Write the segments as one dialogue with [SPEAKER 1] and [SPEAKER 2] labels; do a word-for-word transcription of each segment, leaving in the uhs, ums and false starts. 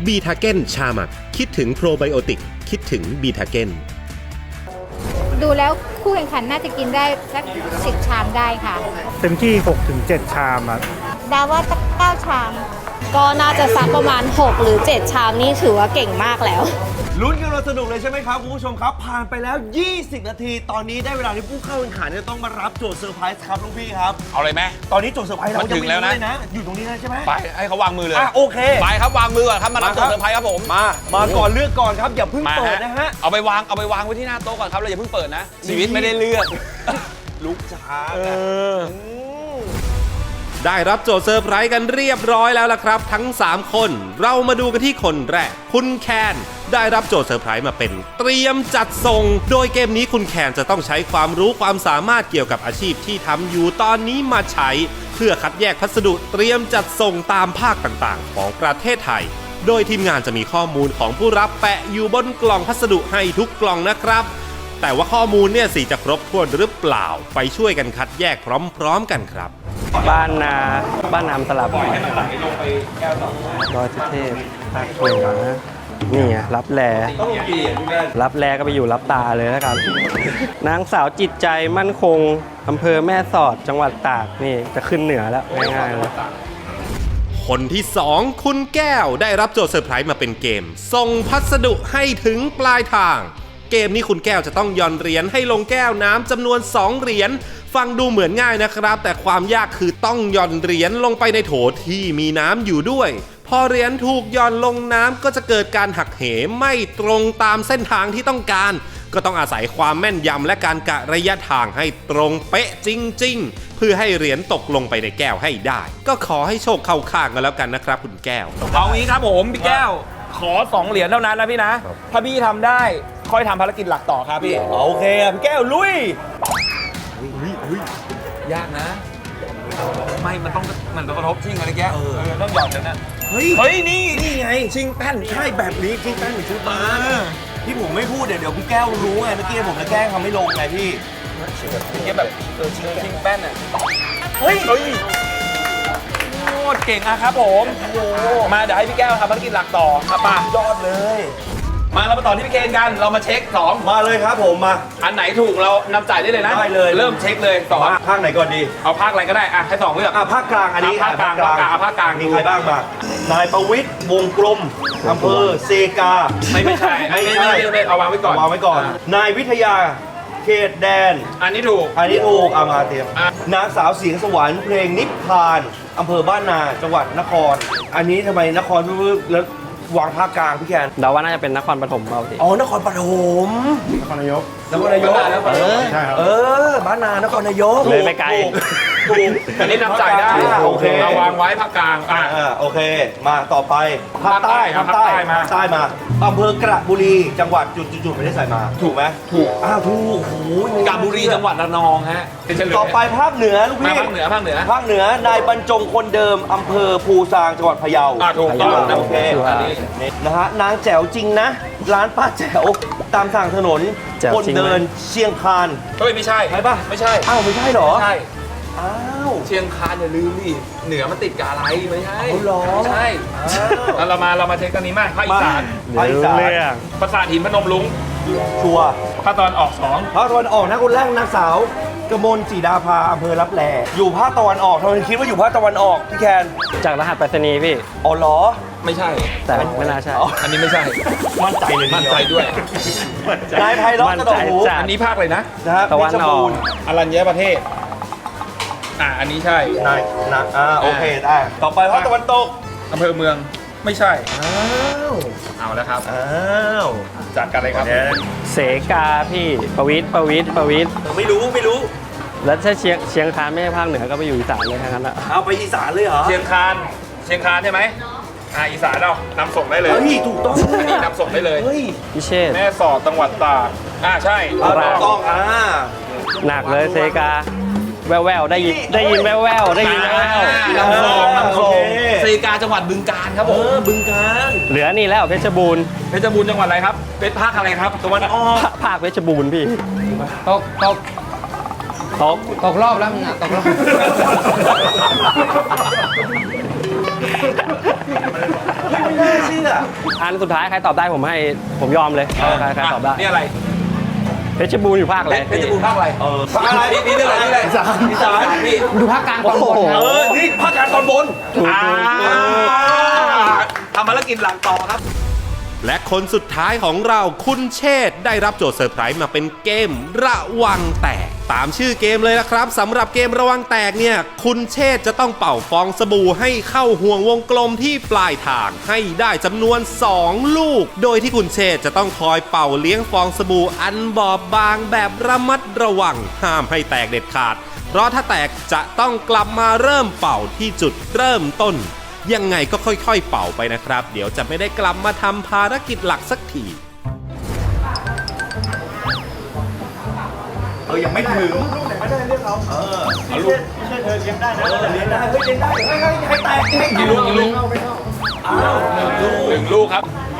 [SPEAKER 1] บีทาเก้นชาหมักคิดถึงโปรไบโอติกคิดถึงบีทาเก้น
[SPEAKER 2] ดูแล้วคู่แข่งขันน่าจะกินได้สักสิบชามได้ค่ะ
[SPEAKER 3] เต็มที่ หกถึงเจ็ด ชามอ่ะ
[SPEAKER 2] ดาว่าสักเก้าชาม
[SPEAKER 4] ก็น่าจะสักประมาณหกหรือเจ็ดชามนี่ถือว่าเก่งมากแล้ว
[SPEAKER 5] ลุ้นกันเราสนุกเลยใช่ไหมครับคุณผู้ชมครับผ่านไปแล้วยี่สิบนาทีตอนนี้ได้เวลาที่ผู้เข้าแข่งขันจะต้องมารับโจทย์เซอร์ไพรส์ครับลุงพี่ครับ
[SPEAKER 6] เอาเลยไหม
[SPEAKER 5] ตอนนี้โจทย์เซอร์ไพรส์เรา
[SPEAKER 6] ถึงแล้วนะ
[SPEAKER 5] อยู่ตรงนี้นะใช่ไหม
[SPEAKER 6] ไปให้เขาวางมือเลย
[SPEAKER 5] อ่ะโอเค
[SPEAKER 6] ไปครับวางมือก่อนครับมารับโจทย์เซอร์ไพรส์ครับผม
[SPEAKER 5] มามาก่อนเลือกก่อนครับอย่าเพิ่งเปิดนะฮะ
[SPEAKER 6] เอาไปวางเอาไปวางไว้ที่หน้าโต๊ะก่อนครับเราอย่าเพิ่งเปิดนะชีวิตไม่ได้เลือก
[SPEAKER 5] ลูกจ้า
[SPEAKER 1] ได้รับโจทย์เซอร์ไพรส์กันเรียบร้อยแล้วล่ะครับทั้งสามคนเรามาดูกันที่คนแรกคุณแคนได้รับโจทย์เซอร์ไพรส์มาเป็นเตรียมจัดส่งโดยเกมนี้คุณแคนจะต้องใช้ความรู้ความสามารถเกี่ยวกับอาชีพที่ทำอยู่ตอนนี้มาใช้เพื่อคัดแยกพัสดุเตรียมจัดส่งตามภาคต่างๆของประเทศไทยโดยทีมงานจะมีข้อมูลของผู้รับแปะอยู่บนกล่องพัสดุให้ทุกกล่องนะครับแต่ว่าข้อมูลเนี่ยสิจะครบถ้วนหรือเปล่าไปช่วยกันคัดแยกพร้อมๆกันครับ
[SPEAKER 7] บ้านนาบ้านนามสลับดอยสุเทพภาคเหนือนี่ไงรับแลรับแลก็ไปอยู่รับตาเลยแล้วกันนางสาวจิตใจมั่นคงอำเภอแม่สอดจังหวัดตากนี่จะขึ้นเหนือแล้วง่ายๆเลย
[SPEAKER 1] คนที่สองคุณแก้วได้รับโจทย์เซอร์ไพรส์มาเป็นเกมส่งพัสดุให้ถึงปลายทางเกมนี้คุณแก้วจะต้องหย่อนเหรียญให้ลงแก้วน้ำจำนวนสองเหรียญฟังดูเหมือนง่ายนะครับแต่ความยากคือต้องหย่อนเหรียญลงไปในโถที่มีน้ำอยู่ด้วยพอเหรียญถูกหย่อนลงน้ำก็จะเกิดการหักเหไม่ตรงตามเส้นทางที่ต้องการก็ต้องอาศัยความแม่นยำและการกะระยะทางให้ตรงเป๊ะจริงๆเพื่อให้เหรียญตกลงไปในแก้วให้ได้ก็ขอให้โชคเข้าข้างกันแล้วกันนะครับคุณแก้ว
[SPEAKER 6] เอางี้ครับผมพี่แก้วขอสองเหรียญเท่านั้นนะพี่นะถ้าพี่ทำได้ค่อยทำภารกิจหลักต่อครับพี่
[SPEAKER 5] โอเคพี่แก้วลุย
[SPEAKER 6] ยากนะไม่มันต้องมันต้องกระทบชิงอะไรแกเออต้องหยอดกันนะ
[SPEAKER 5] เฮ้ยเฮ้ยนี่นี่ไงชิงแป้นใช่แบบนี้ชิงแป้นเหมือนชุดมาที่ผมไม่พูดเดี๋ยวเดี๋ยวพี่แก้วรู้ไงเมื่อกี้ผมจะแกล้งทำไม่ลงไงพี่
[SPEAKER 6] พี่แกแบบเออชิงชิงแป้นอ่ะเฮ้ยเฮ้ยโคตรเก่งอะครับผมมาเดี๋ยวให้พี่แก้วทำภารกิจหลักต่อครับป่ะ
[SPEAKER 5] ยอดเลย
[SPEAKER 6] มาเรามาต่อที่พี่เคนกันเรามาเช็คสอง
[SPEAKER 5] มาเลยครับผมมา
[SPEAKER 6] อันไหนถูกเรานำจ่ายได้เลยนะ
[SPEAKER 5] ได้เลย
[SPEAKER 6] เริ่มเช็คเลยสอง
[SPEAKER 5] ภาคไหนก่อนดี
[SPEAKER 6] เอาภาคอะไรก็ได้อ่ะให้สองเลือก
[SPEAKER 5] อ่ะภาคกลางอันนี้
[SPEAKER 6] ภาคกลางภาคกลางภาคกลาง
[SPEAKER 5] มีใครบ้างมานายประวิตรวงกลมอำเภอเซกา
[SPEAKER 6] ไม่ไม่ใช่ไม่ใช่ไม่เอาวางไว้ก่อน
[SPEAKER 5] วางไว้ก่อนนายวิทยาเขตแดน
[SPEAKER 6] อันนี้ถูก
[SPEAKER 5] อันนี้ถูกเอามาเตรียมนางสาวเสียงสวรรค์เพลงนิพพานอำเภอบ้านนาจังหวัดนครอันนี้ทำไมนครแล้ววางภาคกลางพี่แคน
[SPEAKER 7] เดาว่าน่าจะเป็นนครปฐมเปล่าสิ
[SPEAKER 5] อ๋อนครปฐม
[SPEAKER 3] นครนายก
[SPEAKER 5] นครนายก
[SPEAKER 3] เออใช่ครับ
[SPEAKER 5] เออบ้านนานครนายก
[SPEAKER 7] เลยไปไกล
[SPEAKER 6] ถูกอันนี้นำจ่ายได้
[SPEAKER 5] โอเค
[SPEAKER 6] เราวางไว้ภาคกลาง
[SPEAKER 5] อ่าโอเคมาต่อไปภาคใต้ภาคใต้มาใต้มาอำเภอกระบุรีจังหวัดจุดๆไม่ได้ใส่มาถูกไหม
[SPEAKER 6] ถูก
[SPEAKER 5] อ้าวถูกโอ้
[SPEAKER 6] ยกระบุรีจังหวัดระนองฮะ
[SPEAKER 5] ต่อไปภาคเหนือลูกพี่
[SPEAKER 6] ภาคเหนือภาคเหนือ
[SPEAKER 5] ภาคเหนือนายบรรจงคนเดิมอำเภอภูซางจังหวัดพะเยา
[SPEAKER 6] ถูกต้อง
[SPEAKER 5] โอเคนะฮะนางแจ๋วจริงนะร้านป้าแจ๋วตามทางถนนคนเดินเชียงคาน
[SPEAKER 6] เฮ้ยไม่ใช่
[SPEAKER 5] ใช่ป่ะ
[SPEAKER 6] ไม่ใช่
[SPEAKER 5] อ้าวไม่ใช่หรอ
[SPEAKER 6] ใช่
[SPEAKER 5] อ้าว
[SPEAKER 6] เชียงคานอย่าลืมดิเหนือมันติดกับอะไรไม่ใช่
[SPEAKER 5] หรอ
[SPEAKER 6] ใช่แล้วเรามาเรามาเช็คกันนี้มากภาคอีสาน
[SPEAKER 5] ภาคอีสาน
[SPEAKER 6] ปราสาทหินพนมรุ้ง
[SPEAKER 5] ชัว
[SPEAKER 6] ภาคตะวันออกสอง
[SPEAKER 5] ภาคตะวันออกนะคนแรกนางสาวกมลจีดาภาอำเภอรับแลอยู่ภาคตะวันออกทำไมคิดว่าอยู่ภาคตะวันออกพี่แคน
[SPEAKER 7] จากรหัสไปรษณีย์พี่
[SPEAKER 5] อ๋อเหรอ
[SPEAKER 6] ไม่ใช่
[SPEAKER 7] แต่ไม่น่าใช่
[SPEAKER 6] อันนี้ไม่ใช่
[SPEAKER 5] มั่นใจเลย
[SPEAKER 6] มั่นใจด้วย
[SPEAKER 5] นายไพเราะกระโดดหู
[SPEAKER 6] อันนี้ภาคเลยนะ
[SPEAKER 5] นะฮะ
[SPEAKER 7] ตะวันออก
[SPEAKER 6] อรัญญประเทศอ่าอันนี้ใช่
[SPEAKER 5] นายนะอ่าโอเคได้ต่อไปภาคตะวันตก
[SPEAKER 6] อำเภอเมืองไม่ใช่
[SPEAKER 5] อ้าว
[SPEAKER 6] เอาแล้วครับ
[SPEAKER 5] อ้าว
[SPEAKER 6] จัดกันเลยครับ
[SPEAKER 7] เสกาพี่ประวิตรประวิตรประวิตร
[SPEAKER 5] ไม่รู้ไม่รู้
[SPEAKER 7] แล้วถ้าเชียงเชียงคานไม่ใช่ภาคเหนือก็ไปอยู่อีสานเลยทั้งนั้นอะ
[SPEAKER 5] เอาไปอีสานเลยเหรอ
[SPEAKER 6] เชียงคานเชียงคานใช่ไหมอ่าอีสานเรานำส่งได้เลย
[SPEAKER 5] เฮ้ยถูกต้อง
[SPEAKER 6] อันนี้นำส่งได้เลย
[SPEAKER 5] เฮ้ย
[SPEAKER 7] พิเชษ
[SPEAKER 6] แม่สอดจังหวัดตากอ่าใช่
[SPEAKER 5] ถูกต้องอ่า
[SPEAKER 7] หนักเลยเซกาแววแววได้ยินได้ยินแววแววได้ยินแววแววน
[SPEAKER 6] ำส่งนำส่งเซกาจังหวัดบึงกาฬครับผม
[SPEAKER 5] บึงกาฬ
[SPEAKER 7] เหลือนี่แล้วเพชรบูรณ์
[SPEAKER 6] เพชรบูรณ์จังหวัดอะไรครับเป็นภาคอะไรครับตะวันออก
[SPEAKER 7] ภาคเพชรบูรณ์พี่
[SPEAKER 8] ตกตก
[SPEAKER 7] ตก
[SPEAKER 8] ตกรอบแล้วมึงอะตกรอบ
[SPEAKER 5] น่าเชื่อ
[SPEAKER 7] อันสุดท้ายใครตอบได้ผมให้ผมยอมเลยใครใครตอบได้
[SPEAKER 6] นี่อะไร
[SPEAKER 7] เพชรบูรณ์อยู่ภาคอะไร
[SPEAKER 6] เพชรบูรณ์ภาคอะไร
[SPEAKER 5] เออภาคอะไร
[SPEAKER 6] นี่นี่เรื่องอะไรนี่อะไรอีสานอีสานพี่
[SPEAKER 8] ดูภาคกลางตอนบนครับ
[SPEAKER 5] เออ นี่ภาคกลางตอนบน
[SPEAKER 6] อ่าทำภารกิจหลังต่อครับ
[SPEAKER 1] และคนสุดท้ายของเราคุณเชษฐ์ได้รับโจทย์เซอร์ไพรส์มาเป็นเกมระวังแตก ตามชื่อเกมเลยนะครับสำหรับเกมระวังแตกเนี่ยคุณเชษฐ์จะต้องเป่าฟองสบู่ให้เข้าห่วงวงกลมที่ปลายทางให้ได้จำนวนสองลูก โดยที่คุณเชษฐ์จะต้องคอยเป่าเลี้ยงฟองสบู่อันบอบบางแบบระมัดระวังห้ามให้แตกเด็ดขาด เพราะถ้าแตกจะต้องกลับมาเริ่มเป่าที่จุดเริ่มต้นยังไงก็ค่อยๆเป่าไปนะครับเดี๋ยวจะไม่ได้กลับมาทำภารกิจหลักสักที
[SPEAKER 5] เออ ยังไม่ถึงไม่ได้เรียกเขาเออเอาลูกไม่ใช่เธอเลี้ยงได้นะเลี้ยงได้เฮ้ยเลี้ยงได้เฮ้ยเฮ้ยให้แตกให้
[SPEAKER 6] กี่ลูกกี่ลูกอ้าวหนึ่งลูกหนึ่งลูกครับ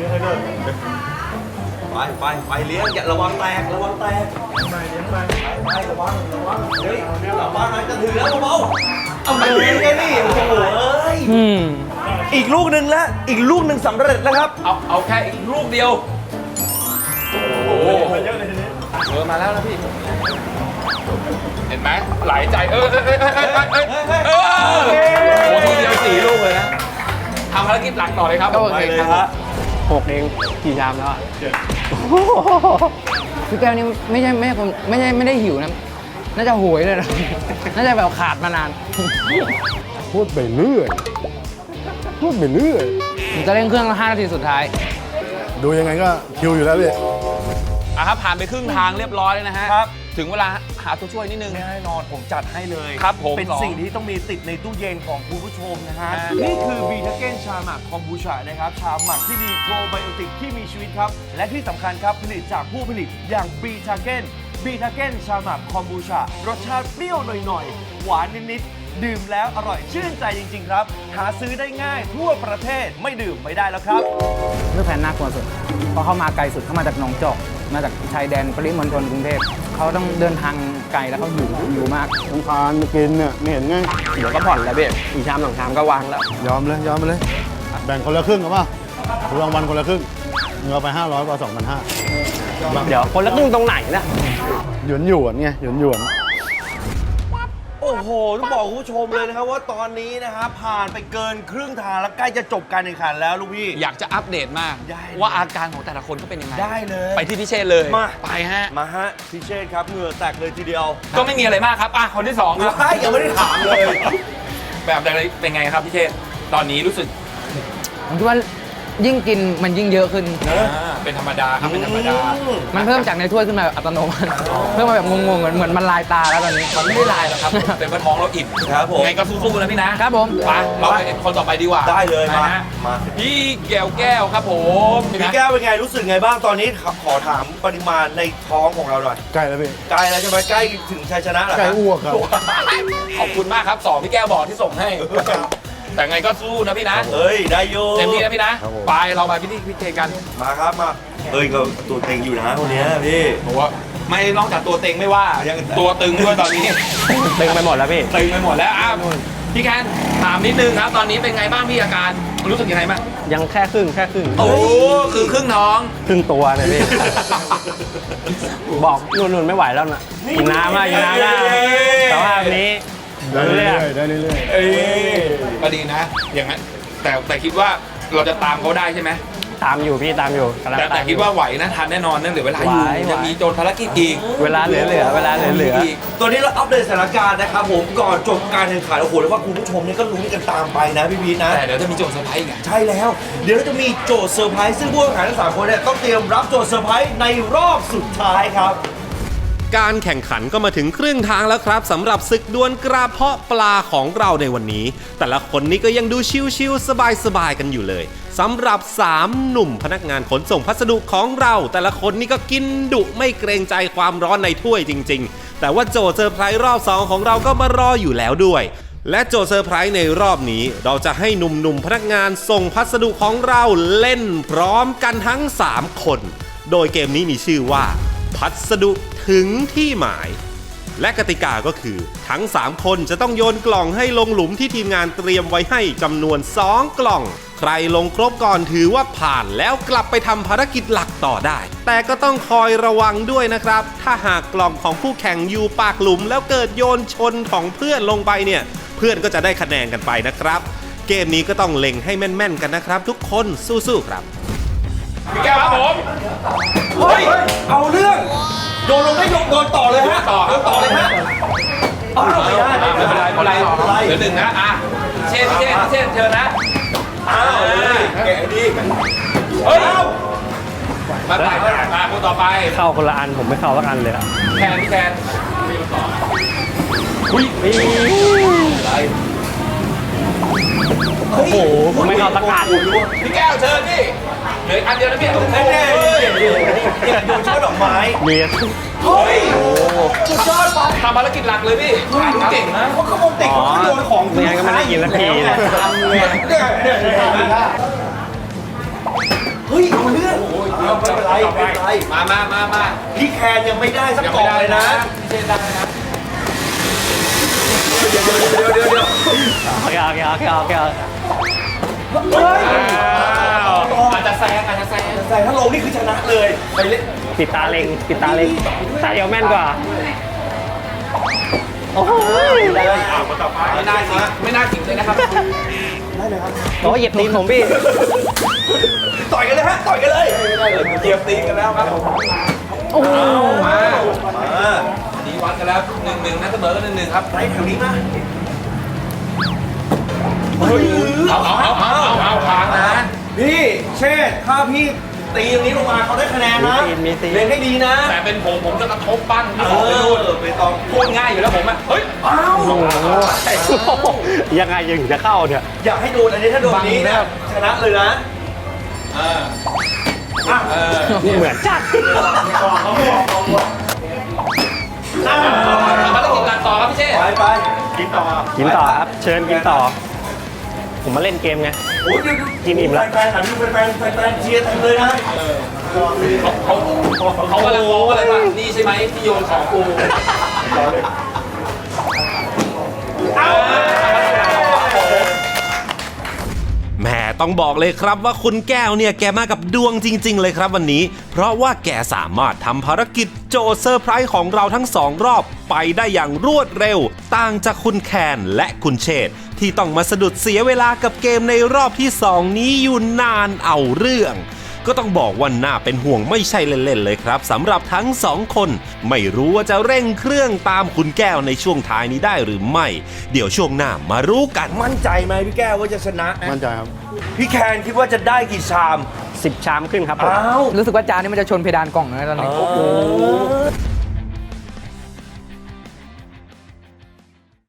[SPEAKER 5] ไปไปไปเลี้ยงอย่าระวังแตกระวังแตกไปเลี้ยงไปไประวังระวังเฮ้ยระวังอะไรจะถึงแล้วเบาๆเอาไปเลี้ยงไงนี่โอ้โหเอ้ยอีกลูกหนึ่งแล้วอีกลูกหนึ่งสำเร็จแล้วครับ
[SPEAKER 6] เอาเอาแค่อีกลูกเดียวโอ้โหเออมาแล้วนะพี่เห็นไหมหลายใจเออเออเออเออเออเออเออโอ้โหทีเดียวสี่ลูกเลยนะทำภารกิจหลักต่อเลยครับ
[SPEAKER 8] โอเคครับ
[SPEAKER 7] หกเองกี่ชามแล้วอะ
[SPEAKER 8] พี่แก้วนี่ไม่ใช่ไม่ใช่คนไม่ใช่ไม่ได้หิวนะ น่าจะโหยเลยนะ น่าจะแบบขาดมานาน
[SPEAKER 3] พูดไปเรื่อย พูดไปเรื่อย
[SPEAKER 8] ผมจะเร่งเครื่องห้านาทีสุดท้าย
[SPEAKER 3] ดูยังไงก็คิวอยู่แล้วพี่
[SPEAKER 6] อ่ะครับผ่านไปครึ่งทางเรียบร้อยแล้วนะฮะ
[SPEAKER 5] ครับ
[SPEAKER 6] ถึงเวลาหาตัวช่วยนิดนึง
[SPEAKER 5] แน่นอนผมจัดให้เลย
[SPEAKER 6] ครับผม
[SPEAKER 5] เป็นสิ่งที่ต้องมีติดในตู้เย็นของคุณผู้ชมนะฮะ
[SPEAKER 6] อ่า
[SPEAKER 5] นี่คือบีทาเก้นชาหมักคอมบูชานะครับ ชาหมักที่มีโปรไบโอติกที่มีชีวิตครับ และที่สำคัญครับ ผลิตจากผู้ผลิตอย่างบีทาเก้นบีทาเก้นชาหมักคอมบูชารสชาติเปรี้ยวหน่อยๆ หวานนิดๆ ดื่มแล้วอร่อยชื่นใจจริงๆครับ หาซื้อได้ง่ายทั่วประเทศไม่ดื่มไม่ได้แล้วครับ
[SPEAKER 8] เลือกแผนน่ากลัวสุด เพราะเขามาไกลสุดเขามาจากหนองจอก มาจากชายแดนปริมณฑลกรุงเทพ เขาต้องเดินทางไกลแล้วเขาหิวหิวมาก
[SPEAKER 3] สงครามมากินเนี่ยไม่เห็นไง
[SPEAKER 7] เดี๋ยวก็ผ่อนแล้วเบ๊อีกชามสองชามก็วางแล้ว
[SPEAKER 3] ยอมเลย ยอมไปเลย แบ่งคนละครึ่งกันป่ะรางวัลคนละครึ่งเงินไปห้าร้อยกว่าสองพันห้า
[SPEAKER 7] เดี๋ยวคนละครึ่งตรงไหนนะ
[SPEAKER 3] หยวนหยวนไงหยวนหยวน
[SPEAKER 5] โอ้โห ต้องบอกคุณผู้ชมเลยนะครับว่าตอนนี้นะครับผ่านไปเกินครึ่งทางแล้วใกล้จะจบการแข่งขันแล้วลูกพี่
[SPEAKER 6] อยากจะอัปเดตมาก
[SPEAKER 5] ได้เลย
[SPEAKER 6] ว่าอาการของแต่ละคนเขาเป็นยังไง
[SPEAKER 5] ได้เลย
[SPEAKER 6] ไปที่พิเชษเลย
[SPEAKER 5] มา
[SPEAKER 6] ไปฮะ
[SPEAKER 5] มาฮะพี่เชษครับเหงื่อแตกเลยทีเดียว
[SPEAKER 6] ก็ไม่มีอะไรมากครับอ่ะคนที่สองครับ
[SPEAKER 5] ใช่ยังไม่ได้ถามเลย
[SPEAKER 6] แบบอะไรเป็นไงครับพี่เชษตอนนี้รู้สึก
[SPEAKER 8] ผมคิดว่ายิ่งกินมันยิ่งเยอะขึ้น
[SPEAKER 6] อ่าเป็นธรรมดาครับเป็นธรรมดา
[SPEAKER 8] มันเพิ่มจากในถ้วยขึ้นมาแบบอัตโนมัติ เพิ่มมาแบบงงๆเหมือนเหมือนมันลายตาแล้วตอนนี้
[SPEAKER 6] มันไม่ได้ลายหรอกครับ เป็นเพราะท้องเราอิ่ม
[SPEAKER 5] ครับผม
[SPEAKER 6] ไงก็สู้ๆนะพี่นะครับ
[SPEAKER 8] ผม
[SPEAKER 6] ไปเราไปคนต่อไปดีกว่า
[SPEAKER 5] ได้เลย
[SPEAKER 6] ไป
[SPEAKER 5] มา
[SPEAKER 6] ฮะ
[SPEAKER 5] มา
[SPEAKER 6] พี่แก้วแก้วครับผม
[SPEAKER 5] พี่แก้วเป็นไงรู้สึกไงบ้างตอนนี้ขอขอถามปริมาณในท้องของเราหน่อย
[SPEAKER 3] ใกล้แล้วพี่
[SPEAKER 5] ใกล้แล้วใช่ไหมใกล้ถึงชัยชนะแล้ว
[SPEAKER 3] ใกล้อ้วกครับ
[SPEAKER 6] ขอบคุณมากครับสองพี่แก้วบอกที่ส่งให้ แต่ไงก็สู้นะพี่นะ
[SPEAKER 5] เฮ้ยได้โย
[SPEAKER 6] เต็มที่นะพี่นะครับ
[SPEAKER 3] ผม
[SPEAKER 6] ไปเราไปพี่ที่พี่เจกัน
[SPEAKER 5] มาครับมาเฮ้ยก็ตัวเต็งอยู่นะคนเนี้ยพี่
[SPEAKER 6] ผมว่าไม่นอกจากตัวเต็งไม่ว่า
[SPEAKER 5] ยัง
[SPEAKER 6] ตัวตึงด้วยตอนนี้
[SPEAKER 7] เต็งไปหมดแล้วพี่
[SPEAKER 6] ตึงไปหมดแล้วอ้าวพี่แคนถามนิดนึงครับ ตอนนี้เป็นไงบ้างพี่อาการรู้สึกยังไงบ้าง
[SPEAKER 7] ยังแค่ครึ่งแค่ครึ่ง
[SPEAKER 6] โอ้คือครึ่งท้อง
[SPEAKER 7] ครึ่งตัวเลยพี่ บอกนุ่นๆไม่ไหวแล้วนะกินน้ำมากินน้ำมาสภาพนี้
[SPEAKER 3] ได้เรื่อยๆได้เรื่อย
[SPEAKER 6] เอ้ยก็ดีนะ อย่างนั้นแต่แต่คิดว่าเราจะตามเขาได้ใช่ไหม
[SPEAKER 7] ตามอยู่พี่ตามอยู่กำลัง
[SPEAKER 6] แต่แต่
[SPEAKER 7] ม
[SPEAKER 6] คิดว่าไหวนะทันแน่นอนนั่นเหลือเวลาอยู่
[SPEAKER 7] ไหวไหว
[SPEAKER 6] ยังมีโจทย์ภารกิจอีก
[SPEAKER 7] เวลาเหลือเหลือเวลาเหลือเหลือ
[SPEAKER 6] ก
[SPEAKER 5] ตอนนี้เราอัปเดตสถานการณ์นะครับผมก่อนจบการแข่งขันโอ้โหแล้วว่าคุณผู้ชมเนี่ยก็ลุ้นกันตามไปนะพี่พีทนะ
[SPEAKER 6] แต่เดี๋ยวจะมีโจทย์เซอร์ไพรส์อีกไง
[SPEAKER 5] ใช่แล้ว เดี๋ยวเราจะมีโจทย์เซอร์ไพรส์ซึ่งผู้แข่งขันทั้งสามคนเนี่ยต้องเตรียมรับโจทย์เซอร์ไพรส์ในรอบสุดท้ายครับ
[SPEAKER 1] การแข่งขันก็มาถึงครึ่งทางแล้วครับสำหรับศึกดวลกระเพาะปลาของเราในวันนี้ แต่ละคนนี้ก็ยังดูชิวๆสบายๆกันอยู่เลยสำหรับสามหนุ่มพนักงานขนส่งพัสดุของเรา แต่ละคนนี่ก็กินดุไม่เกรงใจความร้อนในถ้วยจริงๆ แต่ว่าโจทย์เซอร์ไพรส์รอบสองของเราก็มารออยู่แล้วด้วย และโจทย์เซอร์ไพรส์ในรอบนี้เราจะให้หนุ่มๆพนักงานส่งพัสดุของเราเล่นพร้อมกันทั้งสามคน โดยเกมนี้มีชื่อว่าพัสดุถึงที่หมายและกติกาก็คือทั้งสามคนจะต้องโยนกล่องให้ลงหลุมที่ทีมงานเตรียมไว้ให้จำนวนสองกล่องใครลงครบก่อนถือว่าผ่านแล้วกลับไปทำภารกิจหลักต่อได้แต่ก็ต้องคอยระวังด้วยนะครับถ้าหากกล่องของคู่แข่งอยู่ปากหลุมแล้วเกิดโยนชนของเพื่อนลงไปเนี่ยเพื่อนก็จะได้คะแนนกันไปนะครับเกมนี้ก็ต้องเล็งให้แม่นๆกันนะครับทุกคนสู้ๆครับ
[SPEAKER 6] พี่แก้วครับผม
[SPEAKER 5] เฮ้ย เอาเรื่อง โดนลงได้โดนต่อเลยฮะ ต่อต่อเลยฮะอ้าวไม่ได้ไม่เป็นไรไม่เป็นไรเหลือหนึ่งนะอ่ะเช่นเช่นเช่นเชิญนะอ้าวแกะดีเฮ้ยมาไปมาคนต่อไป
[SPEAKER 7] เข้าคนละอันผมไม่เข้าสักอันเลยอะ
[SPEAKER 6] แทนพี่แทน
[SPEAKER 7] อุ้ยโอ้โหผมไม่เข้าสักอัน
[SPEAKER 6] พี่แก้วเชิญพี่เหลืออันเดียวนะพี่โอ้ย
[SPEAKER 5] ดูช่อดอกไม้
[SPEAKER 7] เบียร์
[SPEAKER 5] เฮ้ยสุดยอดไป
[SPEAKER 6] ทำภารกิจหลักเลยพี่เก่งนะ
[SPEAKER 5] เขาขโมยเด็กเขาโยนของ
[SPEAKER 7] ไม่งั้นก็ไม่ได้กินสักทีเลย
[SPEAKER 5] เฮ้ยเอาเรื่องไม่เป็นไรไม่เป็นไร
[SPEAKER 6] มามามามา
[SPEAKER 5] พี่แคนยังไม่ได้สักกล่องเลยนะ
[SPEAKER 6] พี่เช่นได้นะ
[SPEAKER 5] เดี๋ยวเดี๋ยวเดี๋ยวเดี๋ยว
[SPEAKER 7] โอเคโอเคโอเคโอเค
[SPEAKER 5] เฮ้ย
[SPEAKER 6] อาจจะแซงอาจจะแซง
[SPEAKER 5] แต่ถ้าลงนี่คือชนะเลยไปเล่น
[SPEAKER 7] ปิดตาเล็งปิดตาเล็งตาเดียวแม่นกว่าโอ้โห
[SPEAKER 5] ได้เลย
[SPEAKER 6] ไม่น่าจริงไม่น่าจริงเลยนะครับ
[SPEAKER 7] โอ้เหยียบตีนผมพี่
[SPEAKER 5] ต่อยกันเลยฮะต่อยกันเลยเกียบตีกันแล้วครับ
[SPEAKER 7] โอ้โห
[SPEAKER 6] มา
[SPEAKER 5] มา
[SPEAKER 6] ดีวัดกันแล้วหนึ่งหนึ่งนะเสมอกันหนึ่งหนึ่งครับ
[SPEAKER 5] ไปแถวนี้มา
[SPEAKER 6] เอาเอาเอาเอาเอาเอาทางนะ
[SPEAKER 5] พี่เชษถ้าพี่ตีตรงนี้ลงมาเขาได้คะแนนนะ
[SPEAKER 7] มีตีนมีตีน
[SPEAKER 5] เล่นให้ดีนะ
[SPEAKER 6] แต่เป็นผมผมจะกระทบปั้น
[SPEAKER 5] เอ
[SPEAKER 6] ที่ผมไปนู่น
[SPEAKER 5] อไปตอง
[SPEAKER 6] พูดง่ายอยู่แล้วผมอ่ะเฮ้ย
[SPEAKER 5] อ้าว
[SPEAKER 7] โอ้โหยังไงยังจะเข้าเนี่ย
[SPEAKER 5] อยากให้โดนอันนี้ถ้าโดนนี้นะชนะเลยนะ
[SPEAKER 6] เออ
[SPEAKER 5] อ่ะ
[SPEAKER 6] เออ
[SPEAKER 7] เหมือนจัด
[SPEAKER 5] อ่ะ
[SPEAKER 6] ทำภารกิจหลักต่อครับพี่เชษ
[SPEAKER 5] ไปไปกินต่อ
[SPEAKER 7] กินต่อครับ เชิญกินต่อ ผมมาเล่นเกมไง
[SPEAKER 5] โอ้ยเดี๋ยว
[SPEAKER 7] กินอิ่มแล้ว
[SPEAKER 5] แฟนๆหันดูแฟนๆแฟนๆเชียร์เต็มเลยนะ
[SPEAKER 6] เขาเขาเขากำลังมองว่าอะไรบ้างนี่ใช่ไหมที่โยนของกู
[SPEAKER 1] แหมต้องบอกเลยครับว่าคุณแก้วเนี่ยแกมากับดวงจริงๆเลยครับวันนี้ เพราะว่าแกสามารถทำภารกิจโจทย์เซอร์ไพรส์ของเราทั้งสองรอบไปได้อย่างรวดเร็ว ต่างจากคุณแคนและคุณเชษฐ์ที่ต้องมาสะดุดเสียเวลากับเกมในรอบที่สองนี้อยู่นานเอาเรื่อง ก็ต้องบอกว่าน่าเป็นห่วงไม่ใช่เล่นๆเลยครับสำหรับทั้งสองคนไม่รู้ว่าจะเร่งเครื่องตามคุณแก้วในช่วงท้ายนี้ได้หรือไม่ เดี๋ยวช่วงหน้ามารู้กัน
[SPEAKER 5] มั่นใจไหมพี่แก้วว่าจะชนะ
[SPEAKER 3] มั่นใจครับ
[SPEAKER 5] พี่แคนคิดว่าจะได้กี่ชาม
[SPEAKER 7] สิบชามขึ้นครับผม
[SPEAKER 5] อ้าว
[SPEAKER 8] รู้สึกว่าจานนี้มันจะชนเพดานกล่องนะตอนนี้
[SPEAKER 5] โอ้โห